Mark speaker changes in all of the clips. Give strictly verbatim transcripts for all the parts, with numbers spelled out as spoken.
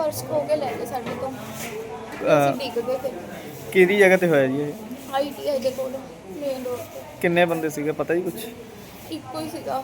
Speaker 1: Purse खो के ले गए साढ़े तो
Speaker 2: ਅਹ,
Speaker 1: डिग गए थे
Speaker 2: ਕਿਹਦੀ ਜਗ੍ਹਾ ਤੇ ਹੋਇਆ ਜੀ ਇਹ?
Speaker 1: आई टी आई के कोल मेन रोड पे
Speaker 2: ਕਿੰਨੇ ਬੰਦੇ ਸੀਗੇ ਪਤਾ ਜੀ ਕੁਛ?
Speaker 1: इको ही सीगा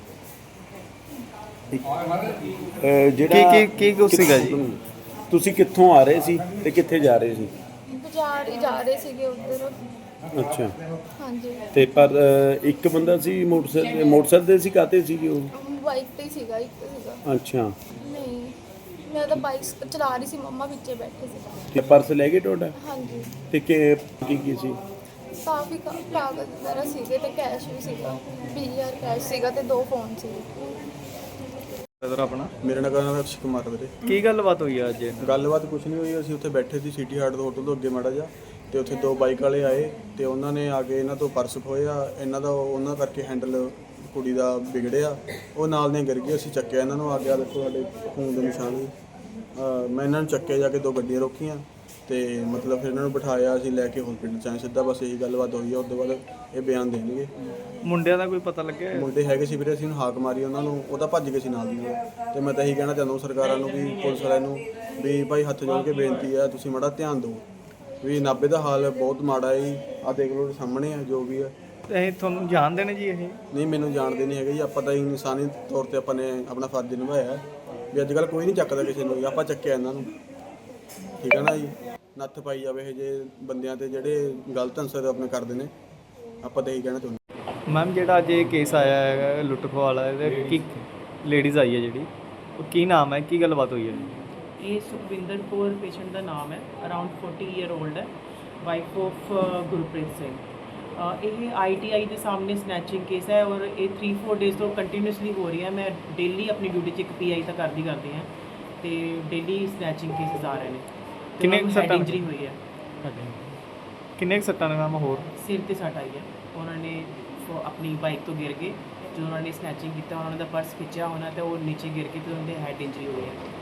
Speaker 3: ਅਹ ਜਿਹੜਾ
Speaker 2: ਕੀ ਕੀ ਕੀ ਕੁਛ ਸੀਗਾ ਜੀ?
Speaker 3: ਤੁਸੀਂ ਕਿੱਥੋਂ ਆ ਰਹੇ ਸੀ ਤੇ ਕਿੱਥੇ ਜਾ ਰਹੇ ਸੀ?
Speaker 1: बाजार ही जा रहे थे उधर।
Speaker 3: ਅੱਛਾ
Speaker 1: हाँ जी
Speaker 3: ਤੇ ਪਰ ਅਹ, ਇੱਕ ਬੰਦਾ ਸੀ ਮੋਟਰਸਾਈਕਲ ਮੋਟਰਸਾਈਕਲ ਤੇ ਸੀ ਕਾਤੇ ਸੀਗੇ ਉਹ?
Speaker 1: बाइक पे ही सीगा एक सीगा
Speaker 3: ਅੱਛਾ
Speaker 1: नहीं मैं तो बाइक चला रही सी मम्मा पीछे बैठे सी।
Speaker 3: ਤੇ ਪਰਸ ਲੈ ਗਏ ਤੁਹਾਡਾ?
Speaker 1: हाँ जी
Speaker 3: ਤੇ ਕੀ ਕੀ ਕੀ ਸੀ?
Speaker 1: ਕਾਫੀ ਕਾ- ਕਾਗਜ਼ ਵਗੈਰਾ ਸੀਗੇ ਤੇ ਕੈਸ਼ ਵੀ ਸੀਗਾ ਵੀਹ ਹਜ਼ਾਰ ਕੈਸ਼ ਸੀਗਾ ਤੇ ਦੋ ਫੋਨ ਸੀ।
Speaker 2: ਬ੍ਰਦਰ ਆਪਣਾ
Speaker 4: ਮੇਰਾ ਨਾਮ ਹੈ ਅਕਸ਼ ਕੁਮਾਰ ਵੀਰੇ।
Speaker 2: ਕੀ ਗੱਲਬਾਤ ਹੋਈ ਆ ਅੱਜ?
Speaker 4: ਗੱਲਬਾਤ ਕੁਝ ਨਹੀਂ ਹੋਈ, ਅਸੀਂ ਉੱਥੇ ਬੈਠੇ ਸੀ ਸਿਟੀ ਹਾਰਟ ਦੇ ਹੋਟਲ ਤੋਂ ਅੱਗੇ ਮਾੜਾ ਜਿਹਾ, ਤੇ ਉੱਥੇ ਦੋ ਬਾਈਕ ਵਾਲੇ ਆਏ ਤੇ ਉਹਨਾਂ ਨੇ ਆ ਕੇ ਇਹਨਾਂ ਤੋਂ ਪਰਸ ਖੋਇਆ। ਇਹਨਾਂ ਦਾ ਉਹਨਾਂ ਕਰਕੇ ਹੈਂਡਲ ਕੁੜੀ ਦਾ ਵਿਗੜਿਆ, ਉਹ ਨਾਲ ਨੇ ਗਿਰ ਗਏ। ਅਸੀਂ ਚੱਕਿਆ ਇਹਨਾਂ ਨੂੰ, ਆ ਗਿਆ ਦੇਖੋ ਸਾਡੇ ਖੂਨ ਦੇ ਨਿਸ਼ਾਨ ਵੀ। ਅਹ ਮੈਂ ਇਹਨਾਂ ਨੂੰ ਚੱਕਿਆ, ਜਾ ਕੇ ਦੋ ਗੱਡੀਆਂ ਰੋਕੀਆਂ ਤੇ ਮਤਲਬ ਫਿਰ ਇਹਨਾਂ ਨੂੰ ਬਿਠਾਇਆ, ਅਸੀਂ ਲੈ ਕੇ ਹਸਪੀਟਲ ਚ ਆਏ ਸਿੱਧਾ। ਬਸ ਇਹੀ ਗੱਲਬਾਤ ਹੋਈ ਆ। ਉਸ ਤੋਂ ਬਾਅਦ ਇਹ ਬਿਆਨ ਦੇਣਗੇ।
Speaker 2: ਮੁੰਡਿਆਂ ਦਾ ਕੋਈ ਪਤਾ ਲੱਗਿਆ?
Speaker 4: ਮੁੰਡੇ ਹੈਗੇ ਸੀ ਵੀਰੇ, ਅਸੀਂ ਉਹਨੂੰ ਹਾਕ ਮਾਰੀ ਉਹਨਾਂ ਨੂੰ, ਉਹ ਤਾਂ ਭੱਜ ਗਏ ਸੀ ਨਾਲ ਦੀ ਨਾਲ। ਤੇ ਮੈਂ ਤਾਂ ਇਹੀ ਕਹਿਣਾ ਚਾਹੁੰਦਾ ਸਰਕਾਰਾਂ ਨੂੰ ਵੀ ਪੁਲਿਸ ਵਾਲਿਆਂ ਨੂੰ ਵੀ ਭਾਈ ਹੱਥ ਜੋੜ ਕੇ ਬੇਨਤੀ ਹੈ, ਤੁਸੀਂ ਮਾੜਾ ਧਿਆਨ ਦਿਓ ਵੀ ਨਾਭੇ ਦਾ ਹਾਲ ਬਹੁਤ ਮਾੜਾ ਹੈ ਜੀ। ਆਹ ਦੇਖ ਲਓ ਸਾਹਮਣੇ ਆ ਜੋ ਵੀ ਹੈ।
Speaker 2: ਇਹ ਤੁਹਾਨੂੰ ਜਾਣਦੇ ਨੇ ਜੀ ਇਹ?
Speaker 4: ਨਹੀਂ ਮੈਨੂੰ ਜਾਣਦੇ ਨਹੀਂ ਹੈਗੇ ਜੀ, ਆਪਾਂ ਤਾਂ ਇਨਸਾਨੀ ਤੌਰ ਤੇ ਆਪਾਂ ਨੇ ਆਪਣਾ ਫਰਜ਼ ਨਿਭਾਇਆ ਵੀ ਅੱਜ ਕੱਲ੍ਹ ਕੋਈ ਨਹੀਂ ਚੱਕਦਾ ਕਿਸੇ ਨੂੰ, ਆਪਾਂ ਚੱਕਿਆ ਇਹਨਾਂ ਨੂੰ। ਠੀਕ ਹੈ ਨਾ ਜੀ, ਨੱਥ ਪਾਈ ਜਾਵੇ ਇਹ ਜੇ ਬੰਦਿਆਂ ਤੇ ਜਿਹੜੇ ਗਲਤ ਅਨਸਰ ਆਪਣੇ ਕਰਦੇ ਨੇ। ਆਪਾਂ ਤਾਂ ਇਹੀ ਕਹਿਣਾ ਚਾਹੁੰਦੇ।
Speaker 2: ਮੈਮ ਜਿਹੜਾ ਅੱਜ ਇਹ ਕੇਸ ਆਇਆ ਹੈਗਾ ਲੁੱਟ ਖੋਹ ਵਾਲਾ, ਇਹਦੇ ਕੀ ਲੇਡੀਜ਼ ਆਈ ਹੈ ਜਿਹੜੀ, ਉਹ ਕੀ ਨਾਮ ਹੈ, ਕੀ ਗੱਲਬਾਤ ਹੋਈ ਹੈ?
Speaker 5: ਇਹ ਸੁਖਵਿੰਦਰ ਕੌਰ ਪੇਸ਼ੈਂਟ ਦਾ ਨਾਮ ਹੈ, ਅਰਾਊਂਡ ਚਾਲੀ ਈਅਰ 올ਡ ਹੈ, ਵਾਈਫ ਆਫ ਗੁਰਪ੍ਰੀਤ ਸਿੰਘ। ਅ, ਇਹ ਆਈ ਟੀ ਆਈ ਦੇ ਸਾਹਮਣੇ ਸਨੈਚਿੰਗ ਕੇਸ ਹੈ ਔਰ ਇਹ ਥ੍ਰੀ ਫੋਰ ਡੇਜ਼ ਤੋਂ ਕੰਟੀਨਿਊਸਲੀ ਹੋ ਰਹੀ ਹੈ। ਮੈਂ ਡੇਲੀ ਆਪਣੀ ਡਿਊਟੀ 'ਚ ਇੱਕ ਪੀ ਆਈ ਤਾਂ ਕਰਦੀ ਕਰਦੀ ਹਾਂ ਤੇ ਡੇਲੀ ਸਨੈਚਿੰਗ ਕੇਸਿਸ ਆ ਰਹੇ ਨੇ।
Speaker 2: ਕਿੰਨੇ ਕੁ ਸੱਟਾਂ
Speaker 5: ਇੰਜਰੀ ਹੋਈ ਹੈ?
Speaker 2: ਕਿੰਨੇ ਕੁ ਸੱਟਾਂ ਨੇ ਮੈਮ ਹੋਰ?
Speaker 5: ਸਿਰ ਤੇ ਸੱਟ ਆਈ ਹੈ। ਉਹਨਾਂ ਨੇ ਫੋ- ਆਪਣੀ ਬਾਈਕ ਤੋਂ ਗਿਰ ਗਏ, ਜਦੋਂ ਉਹਨਾਂ ਨੇ ਸਨੈਚਿੰਗ ਕੀਤਾ ਉਹਨਾਂ ਦਾ ਪਰਸ ਖਿੱਚਿਆ ਹੋਣਾ ਤੇ ਉਹ ਨੀਚੇ ਗਿਰ ਕੇ ਤੇ ਉਹਨਾਂ ਦੇ ਹੈਡ ਇੰਜਰੀ ਹੋਈ ਹੈ।